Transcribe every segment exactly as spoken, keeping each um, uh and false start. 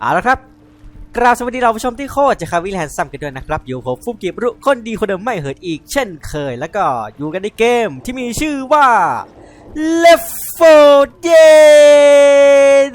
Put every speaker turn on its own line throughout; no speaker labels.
เอาละครับกราบสวัสดีเราผู้ชมที่โคตรจะคาวิลแฮนซัมกันด้วยนะครับอยู่ผมฟุ่มเก็บรุคนดีคนเดิมไม่เหินอีกเช่นเคยแล้วก็อยู่กันในเกมที่มีชื่อว่า Left โฟร์ Dead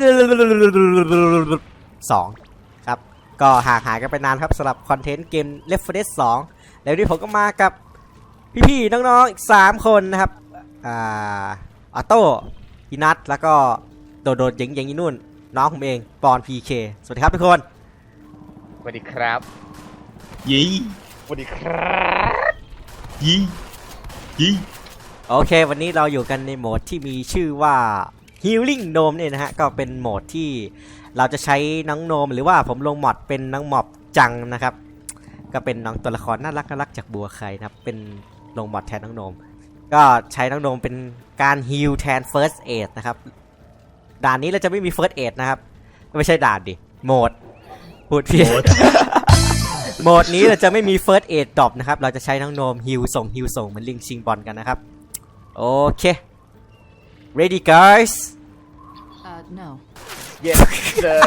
สองครับก็ห่างหายกันไปนานครับสำหรับคอนเทนต์เกม Left โฟร์ Dead สองแล้ววันนี้ผมก็มากับพี่ๆน้องๆอีกสามคนนะครับอ่าออโต้พี่นัทแล้วก็โดดๆเจ๋งๆยี่นู่นน้องผมเองปอน พี เค สวัสดีครับทุกคน
สวัสดีครับ
ยี่
สวัสดีครับ
ยี่ยี่
โอเควันนี้เราอยู่กันในโหมดที่มีชื่อว่า Healing Gnome เนี่ยนะฮะก็เป็นโหมดที่เราจะใช้น้องโนมหรือว่าผมลงมอดเป็นน้องหมอบจังนะครับก็เป็นน้องตัวละครน่ารักน่ารักจากบัวไข่นะครับเป็นลงมอดแทนน้องโนมก็ใช้น้องโนมเป็นการฮีลแทน First Aid นะครับด่านนี้เราจะไม่มี First Aid นะครับไม่ใช่ด่านดิโหมดพูดผิดโหมดนี้เราจะไม่มี First Aid Drop นะครับเราจะใช้น้องโนมฮิลส่งฮิลส่งเหมือนลิงชิงบอลกันนะครับโอเค ready guys
uh no
yes sir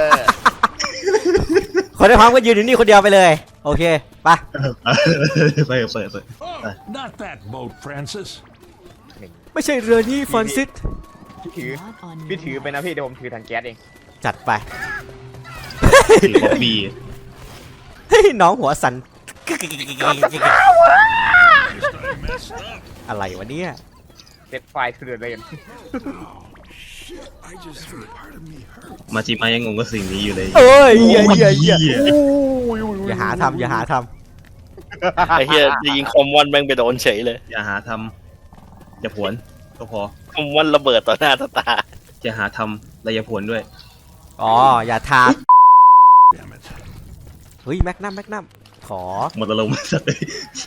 คนที่พร้อมก็ยืนอยู่นี่คนเดียวไปเลยโอเคไป
ไปเปิดเปิด
Not that boat, Francis
ไม่ใช่เรือนี้ฟรานซิส
พี่ถือพี่ถือไปนะพี่เดี๋ยวผมถือถังแก๊สเอง
จัดไป
ถือบ๊อบบี้
เฮ้ยน้องหัวสั่นอะไรวะเนี่ย
เซตไฟล์คือเดิน
มาจิมายังงงกับสิ่งนี้อยู่เลย
เอ้ยเหี้ยเหี้ยเหี้ยอย่าหาทำอย่าหาท
ำไอ้เหี้ยจะยิงคอมวันแม่งไปโดนเฉยเลย
อย่าหาทำอย่าผวนก็พอ
คอมวันระเบิดต่อหน้าต่อตา
อย่าหาทำและอย่าผวนด้วย
อ๋ออย่าทาเฮ้ยแม็กนัมแม็กนัมขอ
หมดอารมณ์สัตว์เลย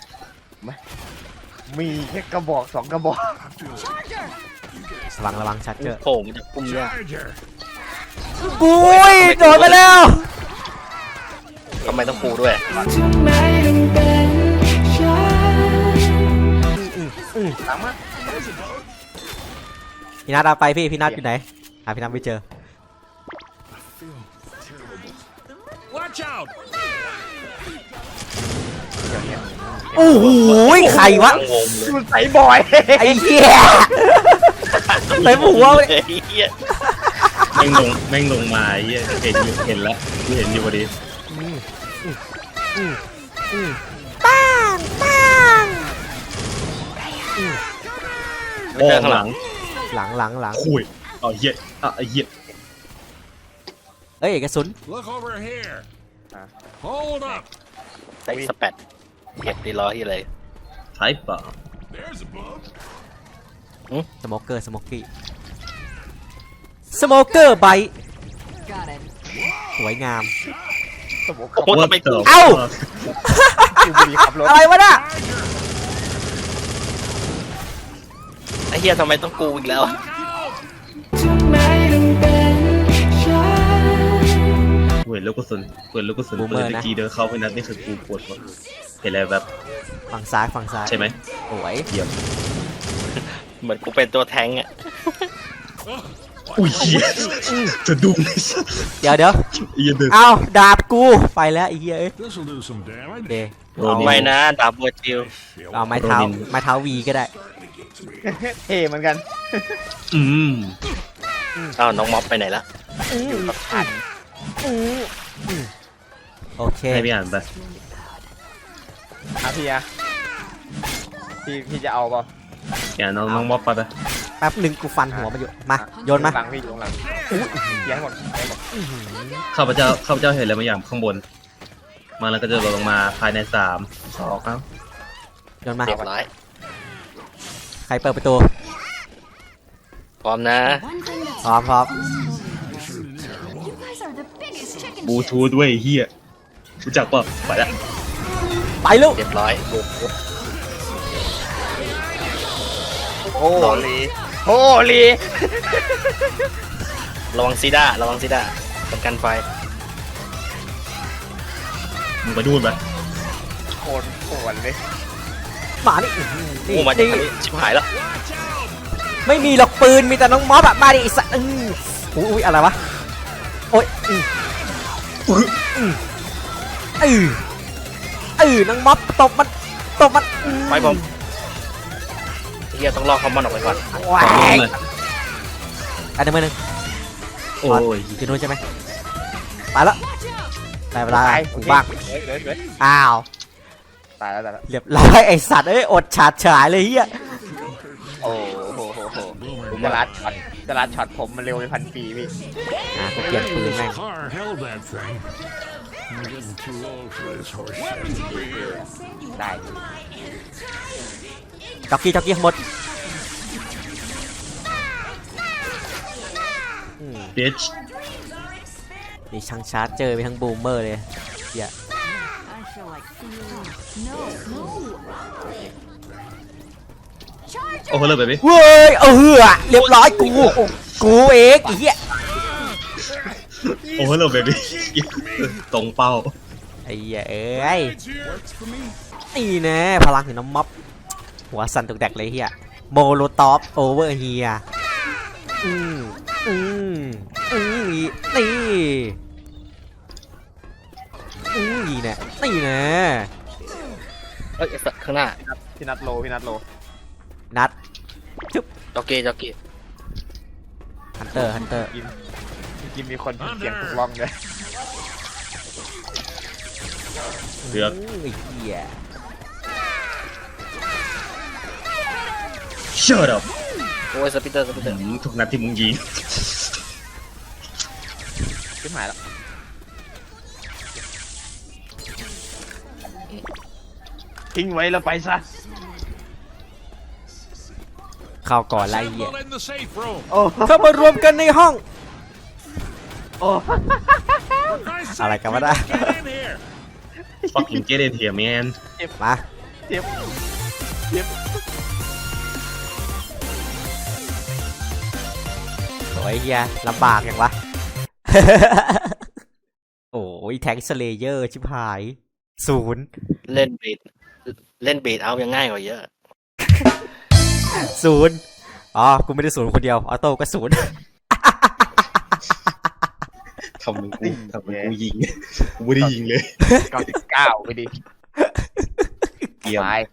มีแค่กระบอกสองกระบอก
ระวังระวังชัดเจอ
โผล่จากปุ่มเนี่ย
ปุ้ยโดนไปแล้ว
ทำไมต้องปูด้วย
พี่นัทเอาไปพี่พี่นัทอยู่ไหนหาพี่นัทไม่เจอโอ้โหใครวะ
มันใส่บ่อย
ไอ้เหี้ยใส่หัวเลย
แม่งลงแม่งลงมาเหี้ยเห็นอยู่เห็นแล้วเห็นอยู่พอดี
ปังปัง
โอ้หลัง
หลังหลังหลัง
คุยอ๋อเหี้ยอ่ะไอ้เหี้ย
เอ้ยกระสุน
ใส่สเปดเก็บดีล้อที่เลย
ใช่ป่ะ
สโมเกอร์สโมกี้สโมเกอร์ไบสวยงาม
โอ้โหทำไมกู
เอ้าอะไรวะน่ะ
ไอ้เหี้ยทำไมต้องกูอีกแล้ว
เห็นลูกกระสุนเห็นลูกกระสุนปืนตะกี้เดินเข้าไปนัดนี่คือกูปวดหัวเห็นอะไรแบบ
ฝั่งซ้ายฝั่งซ้าย
ใช่ไหม
โอ้ย
เยี่ยม
เหมือนกูเป็นตัวแทงอ่ะ
อุ้ยจะดุ้ง
เดี๋ยวเดี๋ยวเอาดาบกูไปแล้วไอ้เหี้ยเอ้ยเด
เอาไม่นะดาบบัวจิว
เอาไม้เท้าไม้เท้าวีก็ได้
เท่เหมือนกัน
อืม
อ้าวน้องม็อบไปไหนละ
อยู่กับทัน
โอเค
ให้พี่อ่านไป
อ่ะพี่อะพี่พี่จะเอาป่ะ
อย่าน้องน้องม็อบไปไป
แป๊บหนึ่งกูฟันหัวมาอยู่มาโยนมา
หลังพี่อยู่หลังยังหมดยังหมด
ข้าพเจ้าข้าพเจ้าเห็นอะไรบางอย่างข้างบนมาแล้วก็จะลงมาภายในสามสองครับ
โยนมา
เรียบร้อย
ใครเปิดประตู
พร้อมนะ
พร้อมพร้อม
บลูทูธด้วยเฮียรู้จักป่ะไปแล้ว
ไปลูก
เรียบร้อย
โอ้ลีโอ้ลี
ระวังซีด้าระวังซีด้าประกันไฟ
มึงไปดูนไป
โคตรโหดเลย
มาดิ
โอ้มาดิชิบหายแล้ว
ไม่มีหรอกปืนมีแต่น้องม็อบอะมาดิสัตว์อุ้ยอะไรวะโอ๊ยอือเออเออนังม็อบตบมันตบมันอื
ไปผมเฮียต้องลอกคอมมอนออกไปก่อน
ว้า
ขอลง
ย
เลย
อันหนึ่งมือหนึ่ง
โอ้ย
อยู่นู้นใช่ไหมไปแล้วได้เวลา
ตาย
กูบ้าง
เฮ้ยเฮ้ยเฮ้ย
อ้าว
ตายแล้วตายแล้ว
เรียบร้อยไอสัตว์เอ้ยอดฉาดฉายเลยเฮีย
โอ้โหโหโหจะรัดช็อตจะรัดช็อตผมมันเร็วเป็นพันปีพี่
อ่ะกูเปลี่ยนปืน
This
แม่ง
car held that thing. I'm getting too old for this horse shit.
ได้
จ็อกกี้จ็อกกี้หมดอืม
บิช
มีช่างชาร์จเจอมีทั้งบูมเมอร์เลยเฮีย
I feel like no, no.
โอ้โหเลยแบบนี้
เว้ยเออเรียบร้อยกูกูเองไอ้เหี้ย
โอ้โหเลยแบบนี้ตรงเป้า
ไอ้เหี้ยเอ้ยนี่แน่พลังของน้ำม็อบหัวสั่นตุกแดกเลยเฮียโมโลท็อปโอเวอร์เฮียอืมอืมอืมนี่อืมนี่แน่นี่แน่
เอ้ยไอ้สัตว์ข้างหน้า
พี่นัทโลพี่นัทโล
นัด
จ็อกเก้จ็อกเก้
ฮันเตอร์ฮันเตอร์
กินกินมีคนเสียงถูกล่องด้วย
เลือก
ไอ้เหี้ย
shut up
โอ้ยสปิเตอร์สปิเตอร์
ทุกนัดที่มึงยิง
ขึ้นหายแล้วทิ้งไว้แล้วไปซะ
เข้าก่อนไล่เหี้ย
Assemble in the safe room.
โอ้
เข้ามารวมกันในห้อง
โอ้
For Christ's
I
sake,
like how
people,
that.
get in here.
fucking get in here man
มา
เจ็บเจ็บ
โอ้ยเฮียลำบากอย่างวะ โอ้ยแทงสเลเยอร์ชิบหายศูนย์
เล่นเบสเล่นเบสเอายังง่ายกว่าเยอะ
ศูนย์อ๋อกูไม่ได้ศูนย์คนเดียวออโต้ก็ศูนย์
ทำมึงกูทำมึงกูยิงกูไม่ได้ยิงเลย
เก้าสิบเก้าไปดิ
เยี่ยม
ตาย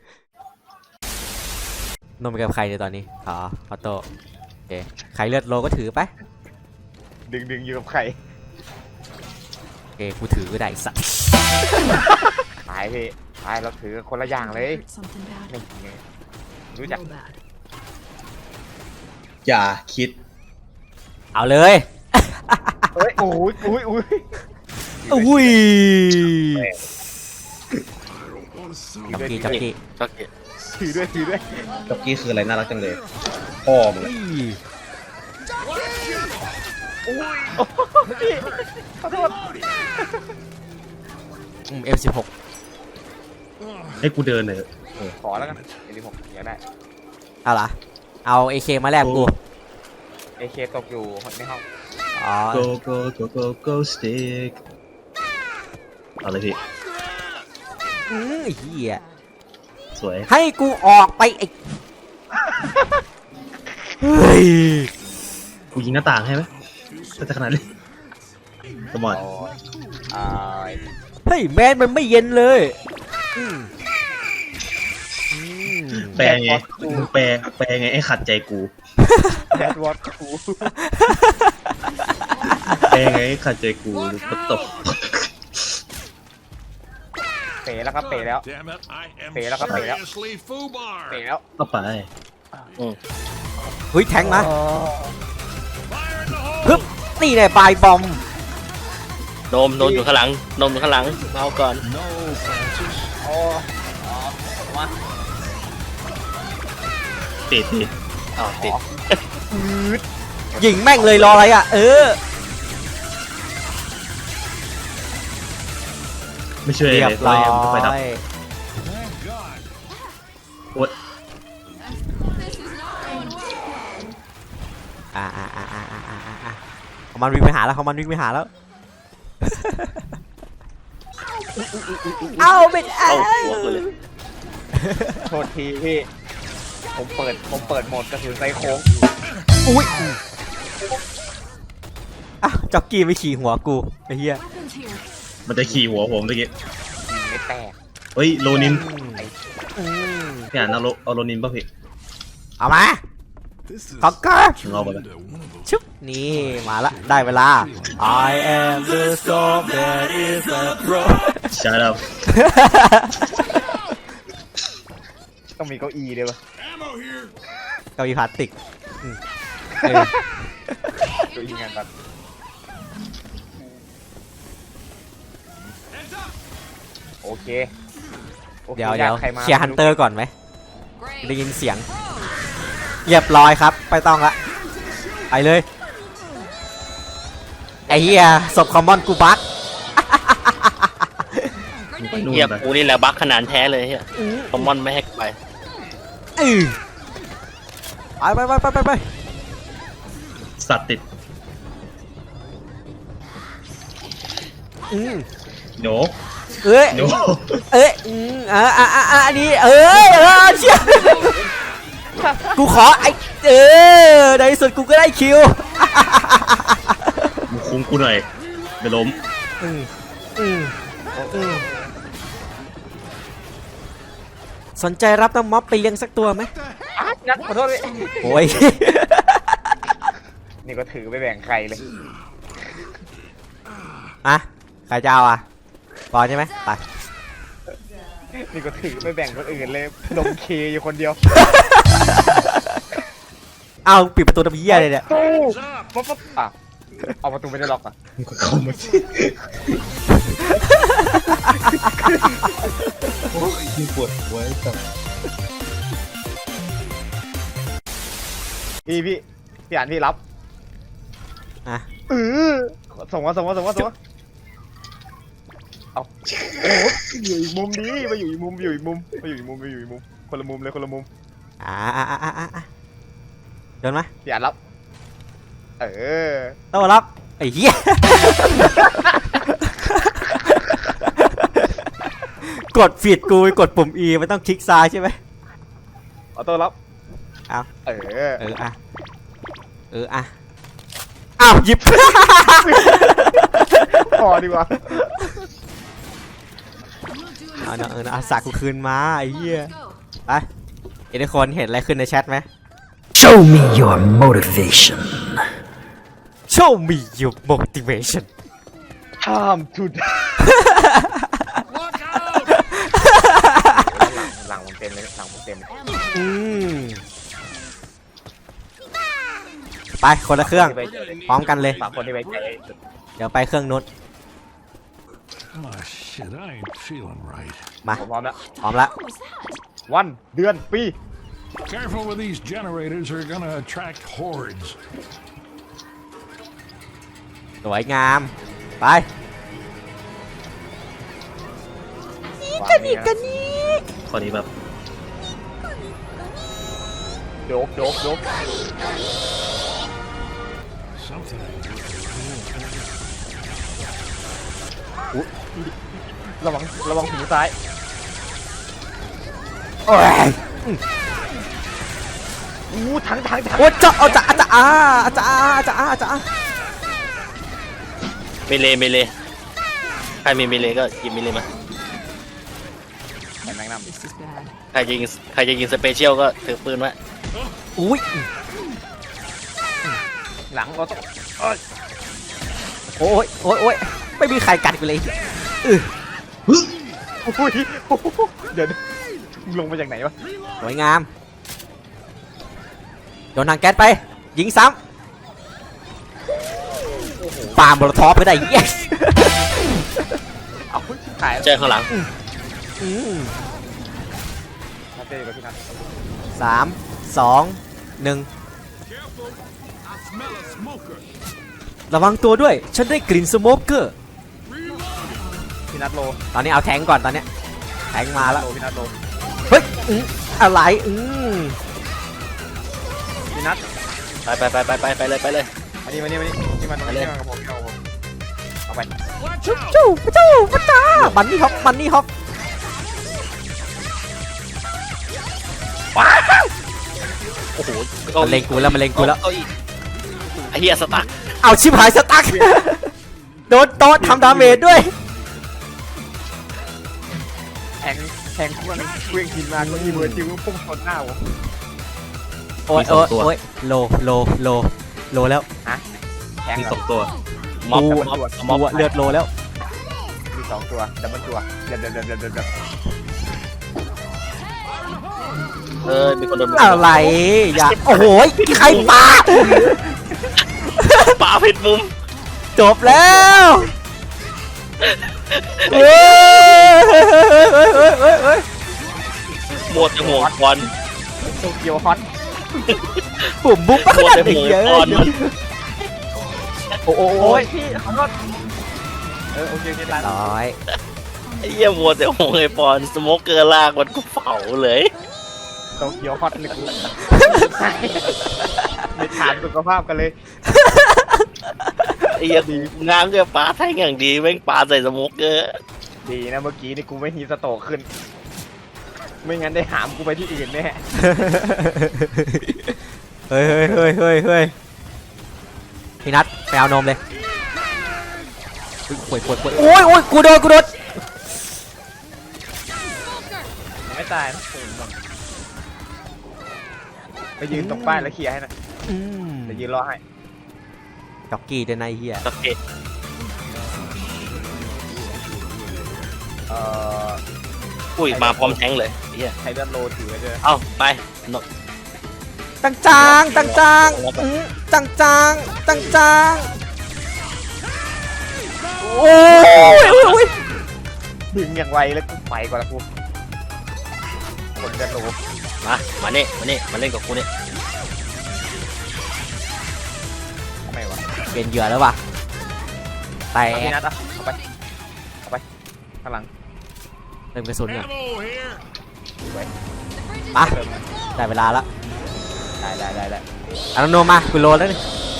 นมกับใครในตอนนี้อ๋อออโต้โอเคใครเลือดโลก็ถือไป
ดึงดึงอยู่กับใคร
โอเคกูถือก็ได้ไอ้สัตว์
ตายพี่ตายเราถือคนละอย่างเลย
Hurt something bad.
นี่ไงรู้จัก
Real bad.
อย่าคิด
เอาเลย
เฮ้ยโอ้ยโอ้ยโอ้ย
อุ้ย
ถื
จ็อก
ด้วย
กี้จ็อกกี้
จ็อกเก้
ถือด้วยถือด้วย
จ็อกกี้คืออะไรน่ารักจังเลยพ่อมึง
อุ้ย
ขอโทษ
อืมเอ็มสิบหก
ให้กูเดินหน่อย
ขอแล้วกันเอลิผมอยากได้
เอาล่ะเอาเอเคมาแลกกู
เอเคตกอยู่ในห้อง
อ๋อ
go go go go go stick เอาเลยพี่
อืมไอ้เหี้ย
สวย
ให้กูออกไปไอ้ เฮ้ย
กูยิงหน้าต่างให้ไหมถ้าจะขนาดนี้สมอน
โอ้ยอ่า
เฮ้ยแมนมันไม่เย็นเลยอืมอืม
แปลไงมึงแปลแปลไงให้ขัดใจกู
แดดวอตคู
แปลไงให้ขัดใจกูก็ตก
เป๋แล้วครับเป๋แล้ว
Damn it, I am
Pèแล้วครับ pè แล้ว
seriously foobar.
เป๋แล้ว
ก็ไป
เฮ้ยแทงมา
Fire in the hole.
ฮึบนี่แน่ปลายบอม
โนมโนมอยู่ข้างหลังโนมอยู่ข้างหลังเอาก่อน
No, Francis.
โอ้มา
ติดดิ
อ้าวติด
ยิงแม่งเลยรออะไรอ่ะ เออ
ไม่ช่วย
เรีย
เล
บ
ย
ร้อย
ไปดับ
Thank God.
โอ๊ย
อ่าอ่าอ่าอ่าอ่าอ่าอ่าเขามันวิ่งไปหาแล้วเขามันวิ่งไปหาแล้ว เอาไม่ได้
เข้าหัวกูเลย
โทษทีพี่ผมเปิดผมเปิดโหมดกระสุนไซโค้ง
อุ้ยอ่ะจ็อกกี้ไม่ขี่หัวกูไอ้เหี้ย
Weapons here.
มันจะขี่หัวผมเมื่อกี้
ยิงไม่แตก
เฮ้ยโรนิน
อืม
พี่อ่านเอาโรเอาโรนินป่ะพี่
เอามา
This is
ขอบคุณ
เอาไปเลย
kinda one of those
ชุบนี่มาละได้เวลา I am the storm that is a pro
ใช่แล้ว
ต้องมีเก้าอี้ด้วยปะ
ammo here.
เก้าอี้พลาสติกอืมเออ
เก้าอี้งานตัดโอเคโอค
เดี๋ยวเดี๋ยว
ใครมา
เคลียร์ฮันเตอร์ก่อนไหมได้ยินเสียงเรียบร้อยครับไปต้องละไปเลยไอ้เหี้ยศพคอมมอนกูบัก
ไปนู่น
เฮีย
ไป
กูนี่แหละบัคขนาดแท้เลยเฮียคอมมอนไม่ให้ไป
อือไปไปไปไปไป
สัตว์ติด
อืม
โด
เอ้ย
โด
เอ้ยอืมอ่าอ่าอ่าอ่าอันนี้เอ้ยเออเชี่ยกูขอไอ้เออในที่สุดกูก็ได้คิว
มึงคุ้มกูหน่อยไปล้ม
อืมอืมอืมสนใจรับน้องม็อบไปเลี้ยงสักตัวไหม
อ่ะงั้นขอโทษเลย
โอ้ย
นี่ก็ถือไปแบ่งใครเลย
อะใครจะเอาอ่ะบอลใช่ไหมไป
นี่ก็ถือไปแบ่งคนอื่นเลยดมเคอยู่คนเดียว
เอาปิดประตูตะเพียเลยเนี่ย
ตู้ปั๊บปั๊บอ่ะเอาประตูไม่ได้ล็อกอ่ะ
มึงก็เข้ามาสิโอ้ยปวดหัวไอ้สัตว์
พี่พี่พี่อ่านพี่รับ
อ่ะ
เออส่งมาส่งมาส่งมาส่งมาเอาโอ้โหอยู่อีกมุมดีมาอยู่อีกมุมอยู่อีกมุมมาอยู่อีกมุมมาอยู่อีกมุมคนละมุมเลยคนละมุม
อ่าอ่าอ่าอ่าอ่าโดนไหม
พี่อ่านรับเออ
โต้รับไอ้เหี้ย กดผิดกูไปกดปุ่ม E มันต้องคลิกซ้ายใช่ไหม
ออโต้รับ
เอา
เออ
เอออ่ะเอออ่ะอ้าวหยิบ
พอดีกว่า
เอาเนาะเออเนาะเอาสากกูคืนมาไอ้เหี้ยไปเอ็นทุกคนเห็นอะไรขึ้นในแชทไหม
Show me your motivation.
Show me your motivation
ห้ามทุดหลังผมเต็มเลยหลังผมเต็มเลย
อืมไปคนละเครื่องพร้อมกันเลย
สามคนที่ไว้ใจ
เดี๋ยวไปเครื่องนู้น
Oh shit, I ain't feeling right.
มา
ผมพร้อมแล้ว
พร้อมแล้ว
What was that?
วันเดือนปี
Careful with these generators, they're gonna attract hordes.
สวยงาม ไป
กันอีกกันนี้
ข้อนี้แบบ
โดบโดบโดบ
Something.
ระวังระวังหูซ้าย
โอ้ย
อู้ถังถังถัง
โอ้เจ้าเอาจ้าจ้าอาจ้าอาจ้าอาจ้าอา
เมเลเมเลใครมีเมเลก็หยิบเมเลมา
แมงน้
This is bad.
ใครจะยิงใครจะยิงสเปเชียลก็ถือปืนไว้
อุ้ย
ำหลังเราต้องเอ้ย
โอ้ยโอ้ยโอ้ยไม่มีใครกัดกูเลยอือ
อุ้ยเดี๋ยวมึงลงมาจากไหนวะ
สวยงามโดนทางแก๊สไป ยิงซ้ำปาโมโลทอปไปได้ yes
เอาถ่าย
เจอข้างหลัง
อืม
นัดเจอกับพี่นัท
สามสองหนึ่งระวังตัวด้วย ฉันได้กลิ่นสโมกเกอร์
พี่นัทโล
ตอนนี้เอาแทงก่อนตอนเนี้ยแทงมาแล้ว
โลพี่นัทโล
เฮ้ยอืมอะไรอืม
พี่นัท
ไปไปไปไปไปไปเลยไปเลย
มานี่มานี่มานี่นี่มันมาเล่นกับผมเอาผมเอาไป
จู้จู้จู้ปะจ้าบันนี่ฮอปบันนี่ฮอป
โอ้โห
มันเล็งกูแล้วมันเล็งกูแล้ว
เก้าอี้ไอ้เหี้ยสตั๊ก
เอาชิบหายสตั๊ก โดนโต๊ะทำดาเมจด้วย
แทงแทงเครื่องเครื่องกินมาก็อีเวอร์จิวพุ่งชนหน้าผม
โอ้ย
มีสองตัว
โอ้ยโลโลโลโลแล้ว
แทง
มี
เหร
ส
อ
องตัว
ม็อบ
กู
ม็อบ
กู
ม็อบ
อะเลือดโลแล้ว
มีสองตัวดับเบิลตัวเดือดเดือดเดือดเดือดเดือด
เออมีคนโดน
อะไรอย่าโอ้โหใครปา
ปาผิดมุม
จบแล้วเฮ้ยเฮ้ยเฮ้ยเฮ้ยเฮ้ยเฮ้ยเฮ้ย
หมดจะห่วงบอล
โตเกียวฮอต
ผมบุ๊กขนาดนี้เยอะ
หมดแต่หัวก่อน
โอ้โหโอ้ยพี่ขอโทษเออโอเคโอเคร้าน
ร้อย
ไอ้เหี้ยหมดแต่ห่วงไอ้บอลสโมกเกอร์ลากมันกูเผาเลย
โตเกียวฮอตเลยกูไม่ถามสุขภาพกันเลย
ไอ้เหี้ยงามเกินปลาแท่งอย่างดีแม่งปลาใส่สโมกเกอร์
ดีนะเมื่อกี้นี่กูไม่ฮีสโตรกขึ้น ไม่งั้นได้หามกูไปที่อื่นแน่
เฮ้ยเฮ้ยเฮ้ยเฮ้ยเฮ้ยพี่นัทไปเอานมเลยป่วยป่วยป่วยโอ้ยโอ้ยกูโดนกูโดน
ไม่ตายนะไปยืนตรงป้ายแล้วเคลียร์ให้หนะ
อืม
เดี๋ยวยืนรอให้
จ็อกกี้เดนไนเฮีย
โอเค
เอ่อ
อุ้ยมาพร้อมแทงเลยไอ้เหี้ย
ไทเดนโลถือไว้ด้วย
เอ้าไปนก
ตังจางตังจางอืมตังจางตังจางโอ้ยโอ้ยโอ้ย
ดึงอย่างไวแล้วกูไปก่อนละกูคนเดนโล
มามานี่มานี่มาเล่นกับกูนี่
ทำไมวะ
เป็นเหยื่อแล้วว่ะแต่
เอาพี่นัทอ่ะเอาไปเอาไปข้างหลัง
เติมกระสุนก่อน
Ammo here.
มาได้เวลาละ
ได้ได้ได้ได้
เอาน้องโนมมากูโลแล้วนี่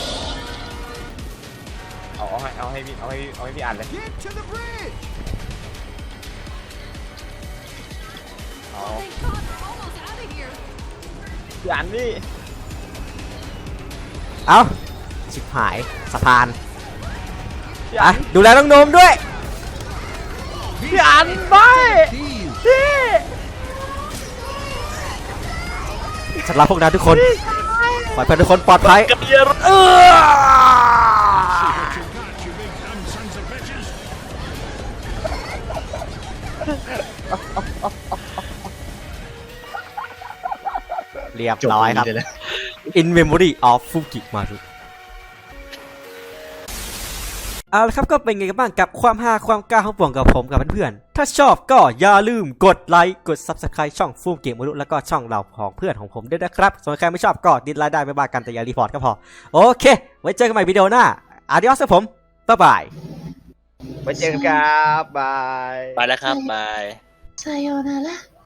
เอาเอาให้เอาให้พี่เอาให้เอาให้พี่อ่านเลย
Get to the bridge.
เอา
Thank God we're almost out of here.
พี่อ่านนี่
เอาชิบหายสะพาน
พี่
อ่ะ
อ่าน
ดูแลน้องโนมด้วย
พี่อ่านไม่พี่
ฉันรักพวกนั้นทุกคนขอให้เพื่อนทุกคนปลอดภัย
กับเหี้ย
เออ
What you got, you big dumb sons of bitches?
เรียบ
จบ
ร้อยครับ
เลยนะ
In Memory of Fukimaru เอาละครับก็เป็นไงกันบ้างกับความฮาความกล้าของป่วงกับผมกับเพื่อนๆถ้าชอบก็อย่าลืมกดไลค์กด Subscribe ช่องฟูเกมมรุแล้วก็ช่องเราของเพื่อนของผมด้วยนะครับส่วนใครไม่ชอบก็ดิสไลค์ได้ไม่บ้ากันแต่อย่ารีพอร์ตก็พอโอเค ไว้เจอกันใหม่วิดีโอหน้า Adios ครับผมบ๊ายบาย
ไว้เจอกันครับบาย
ไปแล้วครับบาย
さようなら。